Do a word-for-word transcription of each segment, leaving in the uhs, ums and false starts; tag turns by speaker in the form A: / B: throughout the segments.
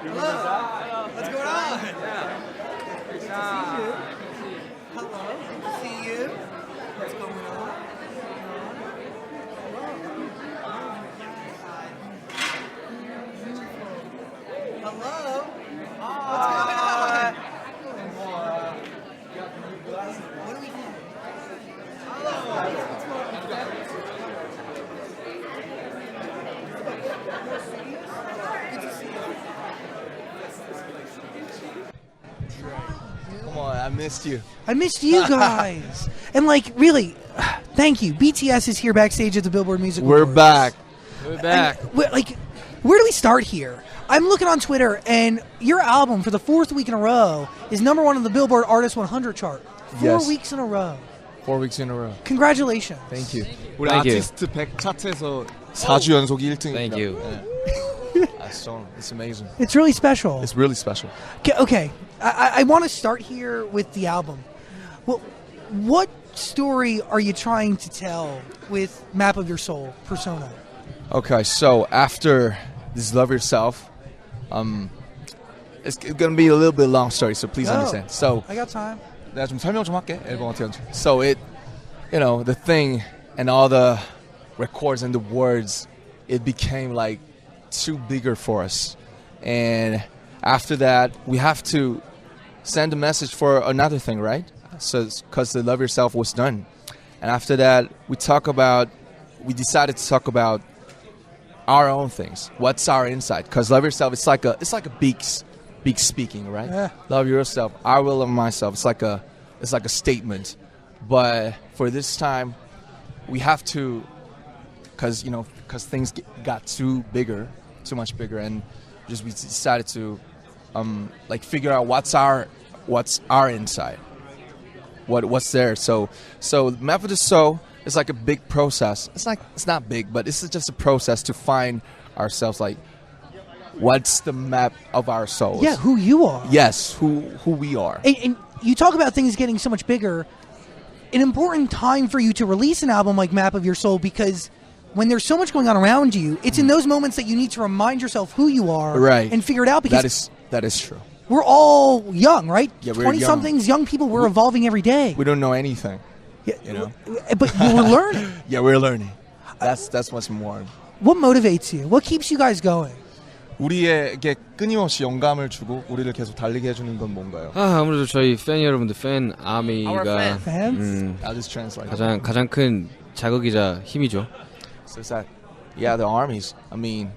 A: Hello. What's going on? Good to see you. Hello. Good to see you. What's going on? Hello. What's going on? What do we do? Hello.
B: Come on, I missed you.
C: I missed you guys. And like, really, thank you. B T S is here backstage at the Billboard Music
B: We're
C: Awards.
B: back.
D: We're back.
C: And, wh- like, where do we start here? I'm looking on Twitter, and your album for the fourth week in a row is number one on the Billboard Artist one hundred chart. Four
B: Yes.
C: weeks in a row.
B: Four weeks in a row.
C: Congratulations.
B: Thank you. 우리
D: Thank you.
B: 아티스트 백 차트에서 사 주 연속 일 등.
D: Thank you.
B: That's so, it's amazing.
C: It's really special.
B: It's really special.
C: Okay, okay. I, I, I want to start here with the album. Well, what story are you trying to tell with Map of Your Soul, Persona?
B: Okay, so after this Love Yourself, um, it's gonna be a little bit long story, so please
C: Go.
B: understand. So
C: I got time.
B: 내가 좀 설명 좀 할게. 앨범 어떻게 하는지. So it, you know, the thing and all the records and the words, it became like too bigger for us. And after that, we have to send a message for another thing, right? So, because the Love Yourself was done. And after that, we talk about, we decided to talk about our own things. What's our inside? Because Love Yourself, it's like a, it's like a big, s- big speaking, right?
C: Yeah.
B: Love yourself. I will love myself. It's like a, it's like a statement. But for this time, we have to, because you know, because things get, got too bigger, too much bigger, and just we decided to, um, like figure out what's our, what's our inside, what what's there. So so Map of the Soul is like a big process. It's like it's not big, but it's just a process to find ourselves. Like, what's the map of our souls?
C: Yeah, who you are.
B: Yes, who who we are.
C: And, and you talk about things getting so much bigger. An important time for you to release an album like Map of Your Soul, because when there's so much going on around you, it's in those moments that you need to remind yourself who you are,
B: Right.
C: and figure it out. Because
B: That is that is true.
C: we're all young, right?
B: Yeah, we're
C: twenty-somethings, young. people. We're evolving every day.
B: We don't know anything.
C: Yeah,
B: you know.
C: but we're learning.
B: Yeah, we're learning. That's that's what's more.
C: What motivates you? What keeps you guys going?
B: 우리에게 끊임없이 영감을 주고 우리를 계속 달리게 해주는 건 뭔가요?
D: 아, 아무래도 저희 팬 여러분들 팬 아미가
C: Fans?
D: 음,
B: I'll just translate.
D: 가장 가장 큰 자극이자 힘이죠.
B: So it's that, yeah, the armies. I mean,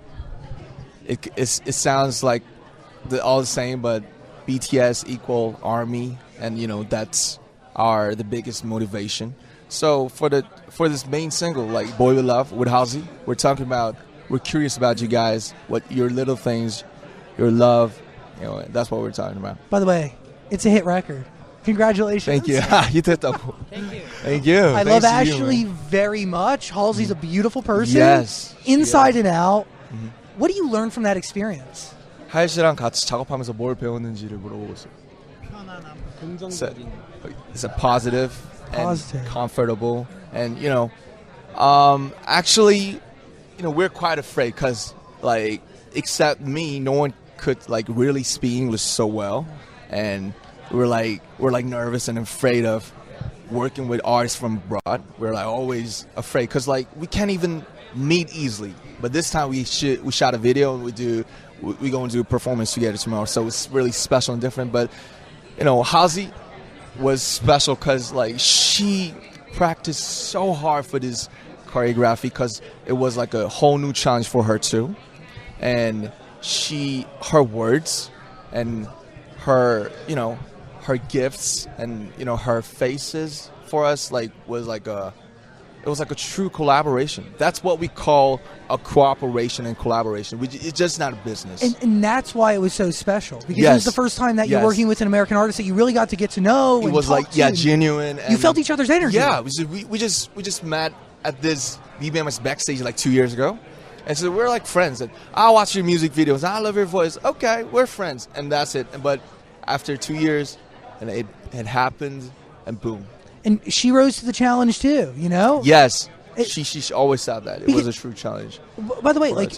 B: it it's, it sounds like the, all the same, but B T S equal army, and you know that's our the biggest motivation. So for the for this main single, like Boy With Love with Halsey, we're talking about, we're curious about you guys, what your little things, your love, you know, that's what we're talking about.
C: By the way, it's a hit record. Congratulations.
B: Thank you. you did that. Thank you. Thank you.
C: I
B: Thanks
C: love
B: to you,
C: Ashley
B: man.
C: very much. Halsey's a beautiful person.
B: Yes.
C: Inside and out. What do you learn from that experience?
B: 하일 씨랑 같이 작업하면서 뭘 배웠는지를 물어보고 있어요. So, it's a positive and
C: Positive.
B: comfortable, and you know, um, actually, you know, we're quite afraid because, like, except me, no one could like really speak English so well, and we're like we're like nervous and afraid of working with artists from abroad. We're like always afraid because like we can't even meet easily. But this time we shoot, we shot a video and we do we, we going to do a performance together tomorrow. So it's really special and different. But you know, Halsey was special because like she practiced so hard for this choreography because it was like a whole new challenge for her too. And she, her words and her, you know, her gifts and, you know, her faces for us like was like a, it was like a true collaboration. That's what we call a cooperation and collaboration. We, it's just not a business.
C: And, and that's why it was so special. Because it
B: Yes.
C: was the first time that you're
B: Yes.
C: working with an American artist that you really got to get to know.
B: it
C: and
B: was
C: talk
B: like
C: to
B: yeah,
C: and
B: genuine. And
C: You felt each other's energy.
B: Yeah, we just, we, we just we just met at this B B M S backstage like two years ago, and so we're like friends. And I watch your music videos. I love your voice. Okay, we're friends, and that's it. But after two years, and it had happened, and boom.
C: And she rose to the challenge too, you know?
B: Yes,
C: It-
B: she she always said that it
C: Because-
B: was a true challenge.
C: B- By the way,
B: for
C: like,
B: us.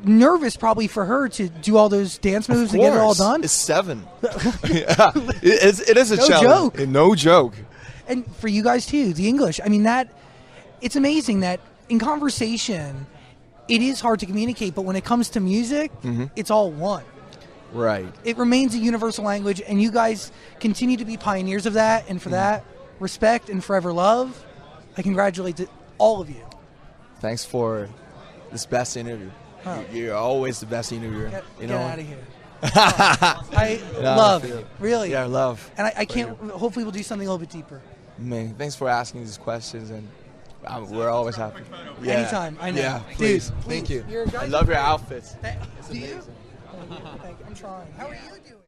C: nervous probably for her to do all those dance moves
B: Of
C: to get it all
B: course.
C: done.
B: It's seven. yeah. it, it's, it is a
C: No
B: challenge.
C: joke.
B: No joke.
C: And for you guys too, the English. I mean, that it's amazing that in conversation, it is hard to communicate, but when it comes to music,
B: Mm-hmm.
C: it's all one.
B: Right.
C: It remains a universal language, and you guys continue to be pioneers of that. And for
B: Mm-hmm.
C: that, respect and forever love. I congratulate to all of you.
B: Thanks for this best interview.
C: Oh.
B: You- You're always the best interviewer.
C: Get,
B: you
C: get
B: know.
C: out of here. I
B: Yeah, I
C: love,
B: feel it.
C: really.
B: Yeah, love.
C: And I, I can't. Hopefully, we'll do something a little bit deeper.
B: Man, thanks for asking these questions, and um, we're always happy. Yeah.
C: Anytime, I know.
B: Yeah,
C: Dude,
B: please.
C: please.
B: Thank you.
C: You're-
B: I
C: guys
B: love
C: are
B: your
C: great.
B: outfits.
C: Thank- Do you? Thank you. I'm trying. How are you doing?